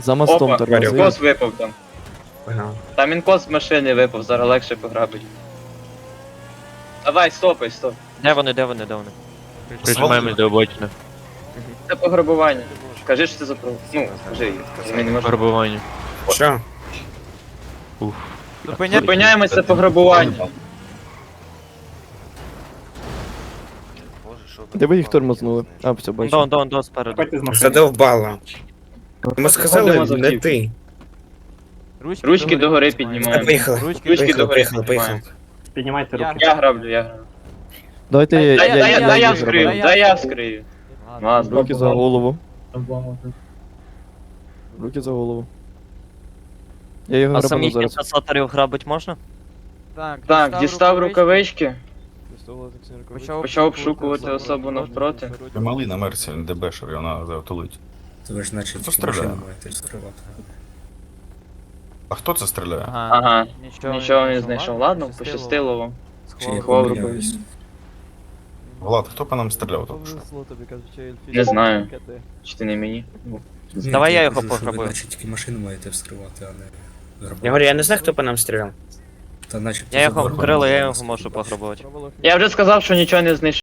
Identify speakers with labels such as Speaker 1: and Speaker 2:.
Speaker 1: За мостом
Speaker 2: Опа,
Speaker 1: тормози.
Speaker 2: інкос випав там.
Speaker 3: Ага.
Speaker 2: Там інкос з машини випав, зараз легше пограбить. Давай, стопай, стоп.
Speaker 4: Де вони? Прижимаємось до обочини.
Speaker 2: Це пограбування. Кажи, що це за про... Ну, кажи, ми не можемо.
Speaker 4: Пограбування.
Speaker 3: Що?
Speaker 2: Зупиняємось, це пограбування.
Speaker 1: Де ви їх тормознули? А, все, бачу.
Speaker 4: Дон, спереду.
Speaker 3: Задовбало. Ми сказали,
Speaker 2: Ходимо за
Speaker 3: не
Speaker 2: автівкою.
Speaker 3: ти.
Speaker 2: Ручки догори піднімаємо.
Speaker 3: Поїхали.
Speaker 2: Ручки догори
Speaker 3: Поїхали.
Speaker 2: піднімаємо.
Speaker 5: Піднімайте руки.
Speaker 2: Я граблю.
Speaker 1: Давайте
Speaker 2: Дай я
Speaker 1: їх
Speaker 2: вскрию,
Speaker 1: зроблю.
Speaker 2: дай я вскрию. Ладно.
Speaker 1: Руки за голову. Руки за голову. Я його
Speaker 4: А
Speaker 1: грабану
Speaker 4: самих
Speaker 1: зараз.
Speaker 4: інкасаторів грабить можна?
Speaker 2: Так, дістав рукавички, почав обшукувати особу навпроти.
Speaker 6: Малий на мерці, ДБшер, і вона завтулить.
Speaker 7: То ви ж наче
Speaker 6: Хто
Speaker 7: тільки
Speaker 6: стріляє?
Speaker 7: машину маєте розкривати.
Speaker 6: А хто це стріляє?
Speaker 2: Ага, нічого не знайшов. Ладно, пощастило вам.
Speaker 7: Чи я
Speaker 2: Ховав
Speaker 7: помиляюсь?
Speaker 6: Влад, хто по нам стріляв тут?
Speaker 2: Не знаю. Чи ти не мені?
Speaker 7: Ні,
Speaker 4: Давай
Speaker 7: то
Speaker 4: я
Speaker 7: я
Speaker 4: його
Speaker 7: кажу, що
Speaker 4: пограбую.
Speaker 7: Ви наче тільки машину маєте вскривати, а не грабувати.
Speaker 3: Я говорю, я не знаю, хто по нам стріляв.
Speaker 7: Та наче
Speaker 4: Я його
Speaker 7: заборонено
Speaker 4: вкрила, я його
Speaker 7: вскривати.
Speaker 4: можу пограбувати.
Speaker 2: Я вже сказав, що нічого не знайшов.